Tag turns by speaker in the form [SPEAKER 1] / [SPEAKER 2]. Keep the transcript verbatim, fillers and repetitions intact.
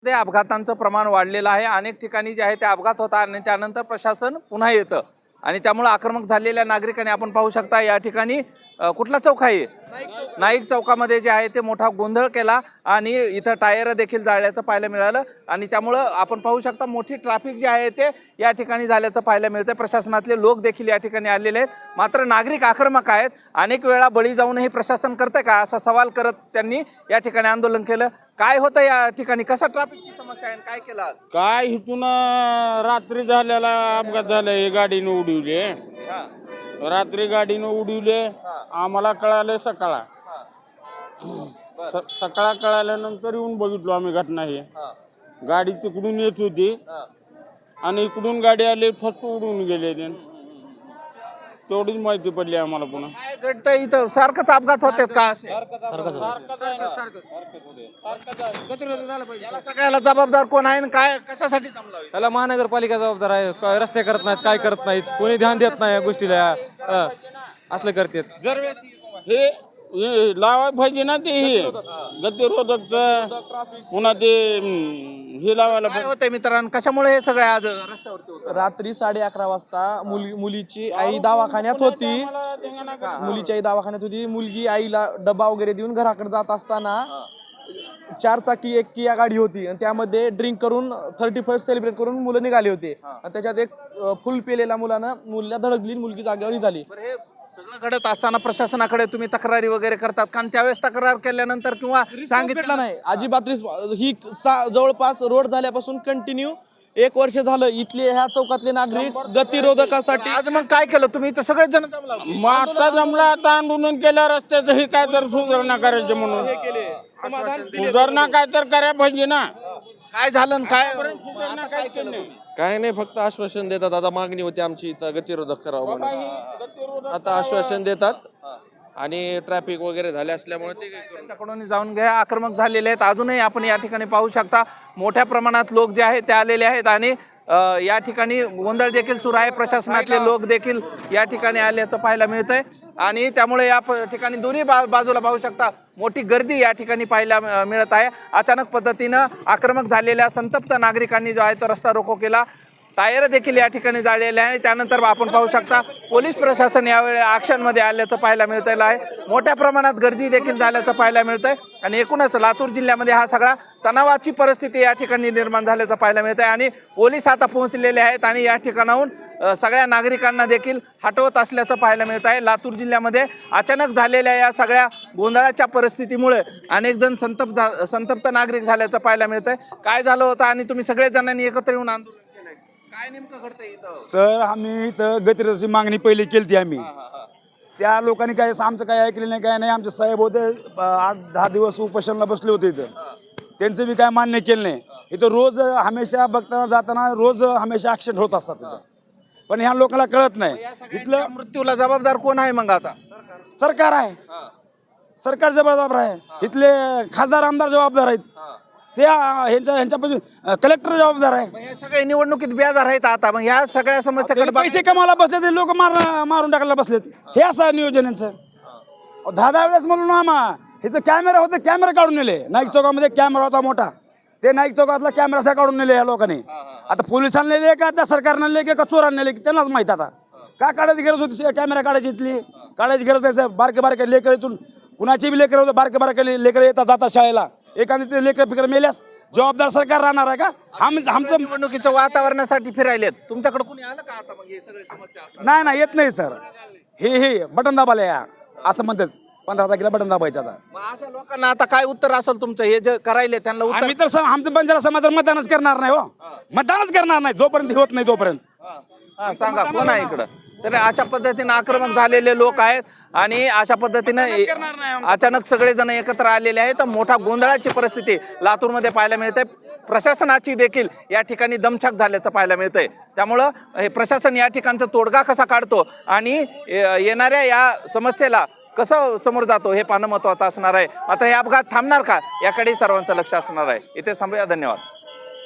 [SPEAKER 1] लातूरमध्ये अपघातांचं प्रमाण वाढलेलं आहे। अनेक ठिकाणी जे आहे ते अपघात होतात आणि त्यानंतर प्रशासन पुन्हा येतं आणि त्यामुळे आक्रमक झालेल्या नागरिकांनी आपण पाहू शकता या ठिकाणी कुठला चौक आहे नाईक चौकामध्ये जे आहे ते मोठा गोंधळ केला आणि इथं टायर देखील जाळल्याचं पाहायला मिळालं आणि त्यामुळे आपण पाहू शकता मोठी ट्रॅफिक जे आहे ते या ठिकाणी झाल्याचं पाहायला मिळतं। प्रशासनातले लोक देखील या ठिकाणी आलेले आहेत, मात्र नागरिक आक्रमक आहेत। अनेक वेळा बळी जाऊनही प्रशासन करते का असा सवाल करत त्यांनी या ठिकाणी आंदोलन केलं। काय होतं या ठिकाणी, कसा ट्रॅफिकची समस्या आहे, काय केलं
[SPEAKER 2] काय इथून रात्री झालेला अपघात झाला, हे गाडीने उडवले रात्री गाडीने उडवले आम्हाला कळाले सकाळ सकाळ कळाल्यानंतर येऊन बघितलो आम्ही घटना। ही गाडी तिकडून येत होती आणि इकडून गाडी आली फक्त उडून गेले, तेवढीच माहिती पडली आम्हाला। पुन्हा
[SPEAKER 1] काय घडतं इथं, सारखंच अपघात होतात का? सगळ्याला जबाबदार कोण आहे, काय कशासाठी जमलं?
[SPEAKER 3] त्याला महानगरपालिका जबाबदार आहे। रस्ते करत नाहीत, काय करत नाहीत, कोणी ध्यान देत नाही या गोष्टीला, असलं करतात।
[SPEAKER 2] जर हे लावाय पाहिजे ना, ते हे गतिरोधक पुन्हा ते हे लावायला
[SPEAKER 1] काय होतंय मित्रांनो, कशामुळे हे सगळे आज रस्त्यावरती होतं?
[SPEAKER 4] रात्री साडे अकरा वाजता मुली मुलीची आई दवाखान्यात होती मुलीची आई दवाखान्यात होती मुलगी आईला डबा वगैरे देऊन घराकडे जात असताना चार चाकी एक किया गाडी होती आणि त्यामध्ये ड्रिंक करून थर्टी फर्स्ट सेलिब्रेट करून मुलं निघाली होती आणि त्याच्यात एक फुल पेलेल्या मुलानं मुलीला धडकली, मुलगी जागेवर झाली।
[SPEAKER 1] सगळं घडत असताना प्रशासनाकडे तुम्ही तक्रारी वगैरे करतात कारण त्यावेळेस तक्रार केल्यानंतर किंवा
[SPEAKER 4] सांगितलं नाही अजिबात ही जवळपास रोड झाल्यापासून कंटिन्यू एक वर्ष झालं इथले ह्या चौकातले नागरिक गतिरोधकासाठी।
[SPEAKER 1] आज मग काय केलं तुम्ही, तर सगळेच जण जमला
[SPEAKER 2] मग आता जमला, आता आंदोलन केलं रस्त्याचं, हे काय तर सुधारणा करायचं म्हणून सुधारणा काय तर करायला पाहिजे ना।
[SPEAKER 1] काय झालं काय
[SPEAKER 2] काय केलं
[SPEAKER 3] काय नाही, फक्त आश्वासन देतात। आता मागणी होती आमची इथं गतिरोधक करावं म्हणून, आता आश्वासन देतात आणि ट्रॅफिक वगैरे झाले असल्यामुळे ते
[SPEAKER 1] त्यांच्याकडून जाऊन घ्या आक्रमक झालेले आहेत। अजूनही आपण या ठिकाणी पाहू शकता मोठ्या प्रमाणात लोक जे आहेत ते आलेले आहेत आणि या ठिकाणी गोंधळ देखील सुरू आहे। प्रशासनातले लोक देखील या ठिकाणी आल्याचं पाहायला मिळतंय आणि त्यामुळे या ठिकाणी दोन्ही बा बाजूला पाहू शकता मोठी गर्दी या ठिकाणी पाहायला मिळत आहे। अचानक पद्धतीनं आक्रमक झालेल्या संतप्त नागरिकांनी जो आहे तो रस्ता रोको केला, टायर देखील या ठिकाणी जाळलेले आहे। त्यानंतर आपण पाहू शकता पोलीस प्रशासन यावेळी ॲक्शनमध्ये आल्याचं पाहायला मिळतलं आहे। मोठ्या प्रमाणात गर्दी देखील झाल्याचं पाहायला मिळतंय आणि एकूणच लातूर जिल्ह्यामध्ये हा सगळा तणावाची परिस्थिती या ठिकाणी निर्माण झाल्याचं पाहायला मिळतंय आणि पोलीस आता पोहोचलेले आहेत आणि या ठिकाणाहून सगळ्या नागरिकांना देखील हटवत असल्याचं पाहायला मिळत आहे। लातूर जिल्ह्यामध्ये अचानक झालेल्या या सगळ्या गोंधळाच्या परिस्थितीमुळे अनेक जण संतप्त झा संतप्त नागरिक झाल्याचं पाहायला मिळतंय। काय झालं होतं आणि तुम्ही सगळे जणांनी एकत्र येऊन आंदोलन केलंय, काय नेमकं घडतंय इथं?
[SPEAKER 5] सर आम्ही इथं गतिरोधकाची मागणी पहिली केली आम्ही, त्या लोकांनी काय आमचं काय ऐकलं नाही, काय नाही। आमचे साहेब होते आठ दहा दिवस उपोषणाला बसले होते इथं, त्यांचं बी काय मान्य केलं नाही। इथं रोज हमेशा बघताना जाताना रोज हमेशा ॲक्सिडेंट होत असतात इथं, पण ह्या लोकांना कळत नाही।
[SPEAKER 1] इथलं मृत्यूला जबाबदार कोण आहे मग? आता
[SPEAKER 5] सरकार आहे, सरकार जबाबदार आहे, इथले खासदार आमदार जबाबदार आहेत, त्या ह्यांच्या ह्यांच्यापासून कलेक्टर जबाबदार आहे।
[SPEAKER 1] हे सगळे निवडणुकीत बेजार आहेत आता, मग ह्या सगळ्या समस्याकडे
[SPEAKER 5] पैसे कमावला बसले ते लोक मार मारून टाकायला बसलेत, हे असं नियोजन यांचं। दहा दहा वेळेस म्हणून आम्हा इथं कॅमेरा होते, कॅमेरा काढून नेले। नाईक चौकामध्ये कॅमेरा होता मोठा, ते नाईक चौकातला कॅमेरा असा काढून नेले या लोकांनी। आता पोलिसांना नेले का त्या सरकारनं नेले का चोरांना नेले त्यांनाच माहित। आता का काढायची गरज होती, कॅमेरा काढायची इथली काढायची गरज नाही साहेब। बारके बारके लेकर इथून कुणाची बी लेकर होतं, बारके बारके लेकर येतात जातात शाळेला, एखादी ते लेकर फिकर मेल्यास जबाबदार सरकार राहणार आहे का? आमचं
[SPEAKER 1] निवडणुकीच्या वातावरणासाठी फिरायलेत, तुमच्याकडे कोणी आलं का आता? मग हे सगळे समस्या
[SPEAKER 5] नाही नाही येत नाही सर, हे हे बटन दाबाले या असं म्हणतात, पंधरा तारखेला बटन दाबायचं। आता
[SPEAKER 1] मग अशा लोकांना आता काय उत्तर असेल तुमचं, हे जे करायले त्यांना उत्तर?
[SPEAKER 5] आम्ही तर आमचं बंजारा समाजावर मतदानच करणार नाही, हो मतदानच करणार नाही जोपर्यंत होत नाही तोपर्यंत।
[SPEAKER 1] सांगा कोण आहे इकडं? तर अशा पद्धतीने आक्रमक झालेले लोक आहेत आणि अशा पद्धतीने अचानक सगळेजण एकत्र आलेले आहेत। मोठा गोंधळाची परिस्थिती लातूरमध्ये पाहायला मिळते। प्रशासनाची देखील या ठिकाणी दमछाक झाल्याचं पाहायला मिळतंय। त्यामुळं हे प्रशासन या ठिकाणचा तोडगा कसा काढतो आणि येणाऱ्या या समस्येला कसं समोर जातो हे पाहणं महत्त्वाचं असणार आहे। मात्र हे अपघात थांबणार का याकडे सर्वांचं लक्ष असणार आहे। इथेच थांबूया, धन्यवाद।